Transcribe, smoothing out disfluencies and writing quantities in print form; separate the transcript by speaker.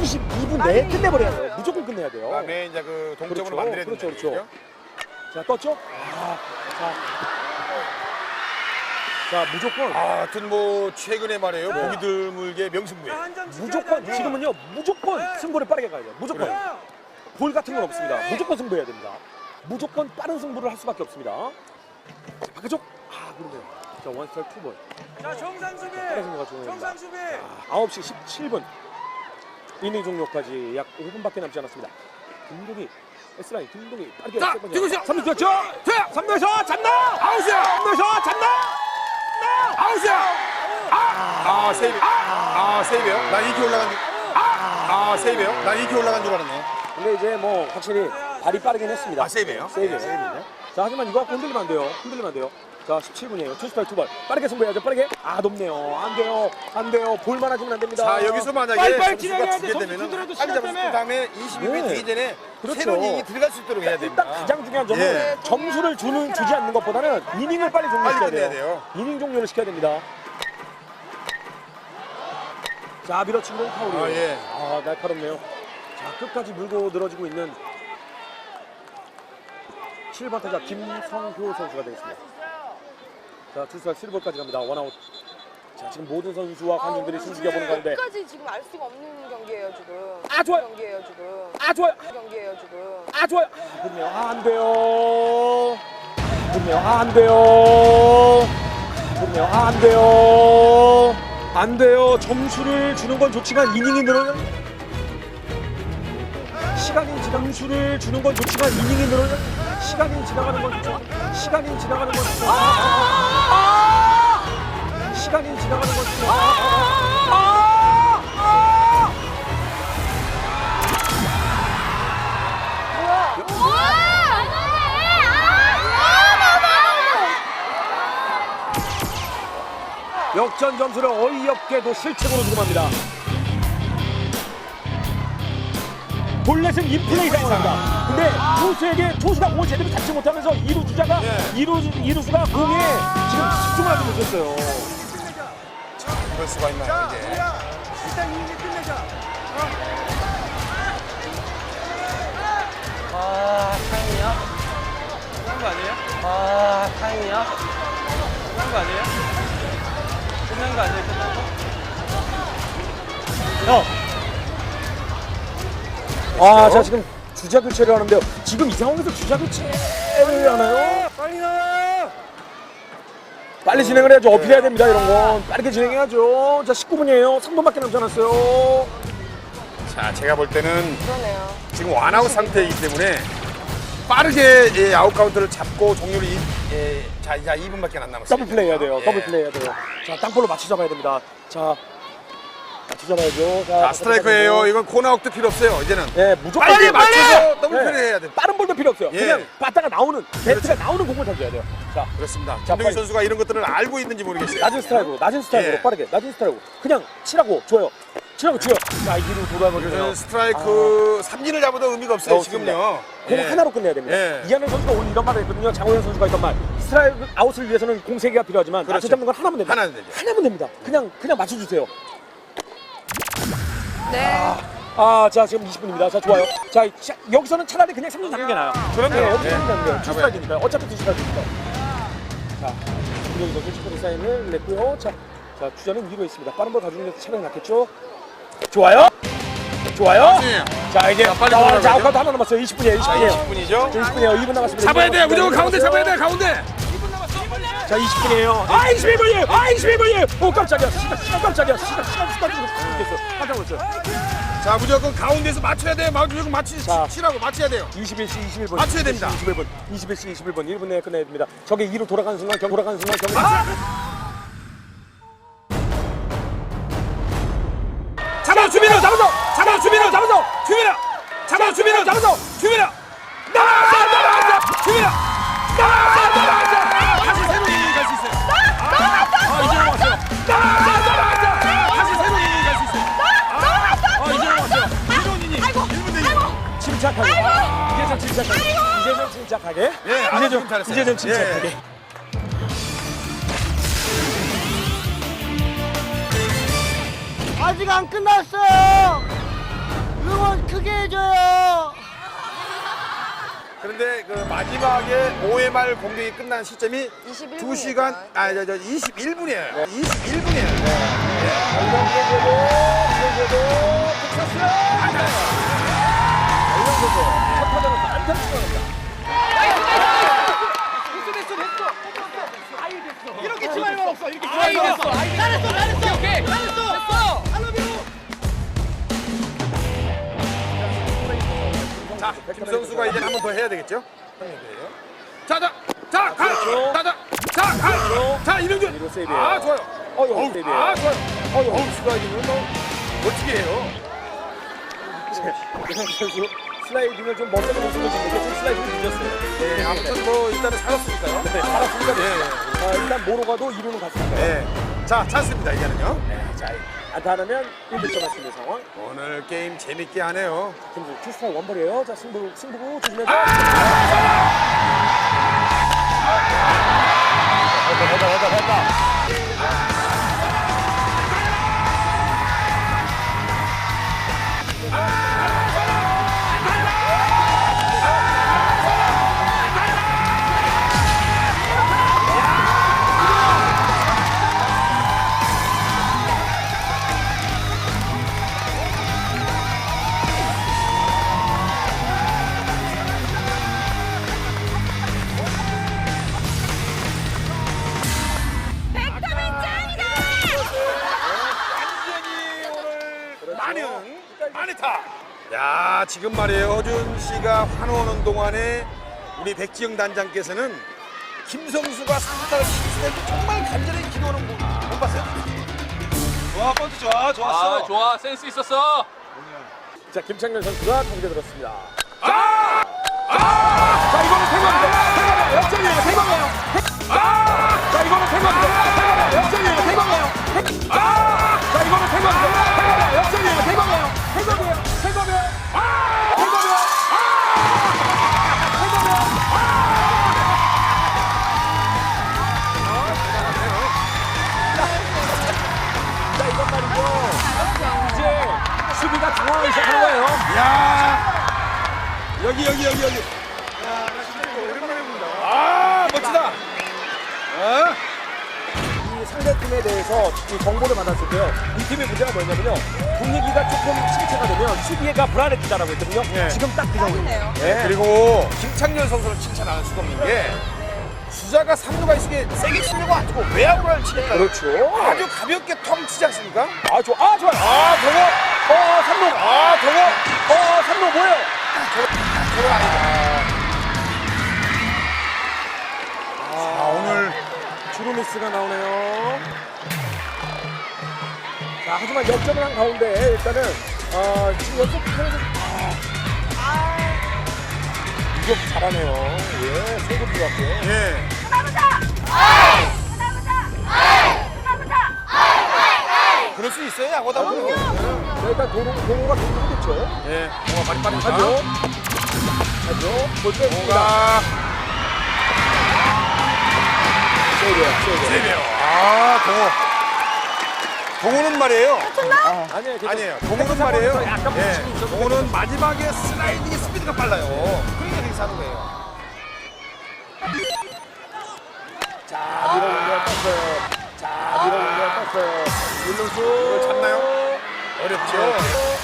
Speaker 1: 22분 내에 끝내버려야 돼요. 무조건 끝내야 돼요.
Speaker 2: 그다음에 이제 그 동점으로
Speaker 1: 그렇죠.
Speaker 2: 만들어야
Speaker 1: 그렇죠,
Speaker 2: 된다.
Speaker 1: 그렇죠. 자, 떴죠? 자, 무조건.
Speaker 2: 하여튼 뭐 최근에 말이에요. 보기 드물게 명승부에.
Speaker 1: 무조건 지금은요. 무조건 승부를 빠르게 가야 돼요. 무조건. 볼 같은 건 없습니다. 무조건 승부해야 됩니다. 무조건 빠른 승부를 할 수밖에 없습니다. 자, 바깥쪽. 그러네요. 자, 원스타일 2번.
Speaker 3: 자, 정상 수비.
Speaker 1: 빠른 승부가 중요합니다.
Speaker 3: 정상 수비.
Speaker 1: 9시 17분. 이닝 종료까지 약 5분밖에 남지 않았습니다. 김동희 S라인 김동희 빠르게
Speaker 2: 자, 뛰고시죠.
Speaker 1: 3루 뛰었죠? 3루에서 잡나? 아웃이야! 3루에서 잡나?
Speaker 2: 아웃이야! 세이브. 세이브요. 난 이렇게 올라간 줄. 세이브요. 난 이렇게 올라간 줄 알았네.
Speaker 1: 근데 이제 뭐 확실히 발이 빠르긴 했습니다.
Speaker 2: 세이브예요?
Speaker 1: 세이브예요.
Speaker 2: 세이브네.
Speaker 1: 자, 하지만 이거 갖고 흔들리면 안 돼요. 흔들리면 안 돼요. 자, 17분이에요. 투스타일 2번. 빠르게 승부해야죠. 빠르게. 높네요. 안 돼요. 안 돼요. 볼만 하시면 안 됩니다.
Speaker 2: 자, 여기서 만약에
Speaker 3: 빨리빨리
Speaker 2: 점수가
Speaker 3: 진행해야
Speaker 2: 두개
Speaker 3: 돼.
Speaker 2: 되면은
Speaker 3: 점수
Speaker 2: 빨리 잡았을
Speaker 3: 때문에.
Speaker 2: 다음에 22분
Speaker 1: 네.
Speaker 2: 되기 전에
Speaker 1: 그렇죠.
Speaker 2: 새로운 이닝이 들어갈 수 있도록 해야 됩니다.
Speaker 1: 일단 가장 중요한 점은
Speaker 2: 예.
Speaker 1: 점수를 주지 않는 것보다는 이닝을 빨리 종료시켜야
Speaker 2: 빨리 끝내야
Speaker 1: 돼요.
Speaker 2: 돼요.
Speaker 1: 이닝 종료를 시켜야 됩니다. 자, 밀어친 공 파울이에요.
Speaker 2: 예.
Speaker 1: 날카롭네요. 자, 끝까지 물고 늘어지고 있는 7번 타자 김성효 선수가 되겠습니다. 자, 투수가 7볼까지 갑니다. 원아웃. 자, 지금 모든 선수와 관중들이 숨죽여보는 가운데
Speaker 4: 끝까지 지금 알 수가 없는 경기예요 지금.
Speaker 1: 좋아요.
Speaker 4: 경기예요 지금.
Speaker 1: 좋아요.
Speaker 4: 경기예요 지금.
Speaker 1: 좋아요. 그렇네요. 안 돼요. 그렇네요. 안 돼요. 그렇네요. 안 돼요. 안 돼요. 점수를 주는 건 좋지만 이닝이 늘어요. 점수를 주는 건 좋지만 이닝이 늘어요. 시간이 지나가는 건 좋죠. 시간이 지나가는 건 좋죠. 시간이 지나가는 건 좋죠. 역전 점수를 어이없게도 실책으로 주고맙니다. 볼넷은 인플레이 상황입니다. 근데 투수가 공을 제대로 잡지 못하면서 2루 주자가 2루수가 공에 지금 집중을 하지 못했어요.
Speaker 2: 그럴 수가 있나요, 이제?
Speaker 3: 일단 이닝 끝내자.
Speaker 5: 타임이야? 끝난 거 아니에요? 타임이야? 끝난 거 아니에요? 끝난 거 아니에요? 끝난 거?
Speaker 1: 자, 지금 주자 교체를 하는데요. 지금 이 상황에서 주자 교체를 하나요?
Speaker 3: 빨리 나와.
Speaker 1: 빨리 진행을 해야죠. 어필해야 됩니다, 이런 건. 빠르게 진행해야죠. 자, 19분이에요. 3분밖에 남지 않았어요.
Speaker 2: 자, 제가 볼 때는
Speaker 4: 그러네요.
Speaker 2: 지금 원아웃 상태이기 때문에 빠르게 아웃 카운트를 잡고 종료를 자, 이제 2분밖에 안 남았어요.
Speaker 1: 더블 플레이 해야 돼요.
Speaker 2: 예.
Speaker 1: 더블 플레이 해야 돼요. 자, 땅볼로 맞춰 잡아야 됩니다. 자, 맞춰 잡아야죠.
Speaker 2: 자, 스트라이크예요. 이건 코너아웃도 필요 없어요. 이제는
Speaker 1: 예, 무조건
Speaker 2: 빨리
Speaker 1: 빨리!
Speaker 2: 맞춰서 더블
Speaker 1: 네.
Speaker 2: 플레이 해야 돼.
Speaker 1: 빠른 볼도 필요 없어요.
Speaker 2: 예.
Speaker 1: 그냥 바다가 나오는, 배트가 나오는 공을 던져야 돼요. 자,
Speaker 2: 그렇습니다.
Speaker 1: 자,
Speaker 2: 김동희
Speaker 1: 빨리.
Speaker 2: 선수가 이런 것들을 알고 있는지 모르겠어요.
Speaker 1: 낮은 스트라이크로
Speaker 2: 예.
Speaker 1: 빠르게, 낮은 스트라이크로. 그냥 치라고, 줘요. 치라고, 줘요. 자, 이기로 돌아버리네요.
Speaker 2: 그래서 스트라이크 삼진을 잡아도 의미가 없어요.
Speaker 1: 없습니다.
Speaker 2: 지금요.
Speaker 1: 공
Speaker 2: 예.
Speaker 1: 하나로 끝내야 됩니다.
Speaker 2: 예.
Speaker 1: 이하늘 선수가 오늘 이런 말을 했거든요. 장호현 선수가 했던 말. 스트라이크 아웃을 위해서는 공 3개가 필요하지만
Speaker 2: 그렇죠.
Speaker 1: 맞춰 잡는 건 하나면 됩니다.
Speaker 2: 하나면 되죠.
Speaker 1: 하나면 됩니다. 그냥 맞춰주세요.
Speaker 4: 네.
Speaker 1: 자, 지금 20분입니다. 자, 좋아요. 자, 여기서는 차라리 그냥 3루 잡는 게 나아요.
Speaker 2: 그럼요.
Speaker 1: 네, 여기서
Speaker 2: 예.
Speaker 1: 3루 잡는 게
Speaker 2: 잡아야
Speaker 1: 투스트라이크니까요. 어차피 투스트라이크니까. 자, 김동희 선수 축구대 사인을 냈고요. 자, 주자는 위로 있습니다. 빠른 볼 가져오는 게 차라리 낫겠죠? 좋아요.
Speaker 2: 맞습니다.
Speaker 1: 자, 이제
Speaker 2: 빨리
Speaker 1: 자,
Speaker 2: 돌아가죠.
Speaker 1: 아웃카운트 하나 남았어요. 20분이에요. 20분이에요.
Speaker 2: 20분이죠.
Speaker 1: 20분이에요. 2분 남았습니다.
Speaker 2: 잡아야 돼요.
Speaker 1: 2분
Speaker 2: 무조건 가운데 잡아야 돼요.
Speaker 1: 남았어요.
Speaker 2: 가운데.
Speaker 1: 자, 20분이에요. 21분이에요. 21분이에요. 오, 깜짝이야. 시간 깜짝이야. 시간 됐어. 깜짝 놀랐어요.
Speaker 2: 자, 무조건 가운데서 맞춰야 돼요. 무조건
Speaker 1: 자.
Speaker 2: 치라고 맞춰야 돼요.
Speaker 1: 21시 21분.
Speaker 2: 맞춰야 됩니다.
Speaker 1: 21시 21분. 1분 내에 끝내야 됩니다. 저게 2로 돌아가는 순간 경기.
Speaker 2: 잡아 주민호 잡아서 잡아 주민호 잡아서 주민호 잡아 주민호 잡아서 주민호 나와 주민호 나와 다시 새로운 이닝 갈 수 있어요. 이제 왔어요. 다시 새로운 이닝 갈 수 있어요. 이제 왔어요. 새로운 이닝 1분 되죠.
Speaker 1: 침착하게. 이제는 침착하게.
Speaker 2: 예, 아주 지금 잘했어요.
Speaker 1: 이제는 침착하게.
Speaker 2: 예.
Speaker 3: 아직 안 끝났어요. 크게 해줘요.
Speaker 2: 그런데 그 마지막에 5회 말 공격이 끝난 시점이
Speaker 4: 21분
Speaker 2: 2시간,
Speaker 4: 이었어요.
Speaker 2: 21분이에요. 21분이에요.
Speaker 1: 첫 타자로서 안타를 추가합니다.
Speaker 3: 이렇게 치마할 말 없어. 이렇게 치마할 말 없어. 잘했어. 오케이. 잘했어.
Speaker 2: 자, 김성수가 이제 한 번 더 해야 되겠죠? 자, 가! 자, 이병준!
Speaker 1: 이거 세이브예요.
Speaker 2: 아, 좋아요.
Speaker 1: 어휴, 세이브예요.
Speaker 2: 아, 좋아요. 어우, 슬라이딩은 뭐, 멋지게 해요.
Speaker 1: 김성수 선수 슬라이딩을 좀 먼저 모습을 주는데 좀 슬라이딩이 늦었어요.
Speaker 2: 네, 아무튼 뭐, 일단은 살았으니까요.
Speaker 1: 네, 알았습니다.
Speaker 2: 예,
Speaker 1: 일단 모로가도 이루는 같습니다.
Speaker 2: 네. 자, 찬스입니다, 이제는요.
Speaker 1: 자, 안타 하나면 1득점 할 수 있는 상황.
Speaker 2: 오늘 게임 재밌게 하네요.
Speaker 1: 김수 투스타일 원볼이에요. 자, 승부 조심해서.
Speaker 2: 마니타. 야, 지금 말이에요. 허준 씨가 환호하는 동안에 우리 백지영 단장께서는 김성수가 상타를 실수할 때 정말 간절히 기도하는 거 못 봤어요?
Speaker 5: 좋아, 펀트 좋아, 좋았어.
Speaker 6: 아, 좋아. 센스 있었어.
Speaker 1: 자, 김창렬 선수가 통제 들었습니다.
Speaker 2: 아!
Speaker 1: 자, 이거는 태광이에요. 역전이에요. 태광이에요. 자, 이거는 태광이에요. 역전이에요. 태광이에요. 자, 이거는 태광이에요. 역전이에요. 태광이에요. 태광이에요. 태광이에요. 자, 이건 말이죠. 이제 수비가 중앙을 시작하는 거예요.
Speaker 2: 야! 여기. 오랜만에 본다. 아, 멋지다.
Speaker 1: 이 상대팀에 대해서 이 정보를 받았을 때요. 이 팀의 문제가 뭐냐면요. 분위기가 조금 침체가 되면 수비가 불안해지다라고 했거든요.
Speaker 2: 예.
Speaker 1: 지금 딱 그 상황이에요.
Speaker 4: 네.
Speaker 2: 그리고 김창렬 선수를 칭찬 안 할 수가 없는 게 주자가 3루가 있으게 세게 치려고 안 치고 외야구를 치니까
Speaker 1: 그렇죠.
Speaker 2: 아주 가볍게 텅 치지 않습니까?
Speaker 1: 아, 좋아요. 아, 동호. 3루.
Speaker 2: 아, 동호.
Speaker 1: 3루 뭐예요?
Speaker 2: 아, 오늘
Speaker 1: 주루미스가 나오네요. 자, 하지만 역전을 한 가운데 일단은 지금 연속 플레이는 이거 잘하네요. 예, 세고 들어갔고요.
Speaker 2: 예. 그럴 수 있어요, 야구다 보면.
Speaker 1: 자, 일단 동호가 동호겠죠.
Speaker 2: 예, 동호가 발이 빠르니까.
Speaker 1: 하죠. 볼 때.
Speaker 2: 동호가
Speaker 1: 세이브요.
Speaker 2: 세배요. 아, 동호. 동호는 말이에요.
Speaker 1: 아니에요.
Speaker 2: 아니에요. 동호는 말이에요.
Speaker 1: 약간
Speaker 2: 예,
Speaker 1: 부딪힘이 있었는데.
Speaker 2: 동호는 마지막에 슬라이딩 스피드가 빨라요. 그러니까 되게 사는 거예요.
Speaker 1: 자, 밀어올려 떴어요. 자, 밀어올려 떴어요. 윤동수.
Speaker 2: 이걸 잡나요? 어렵죠.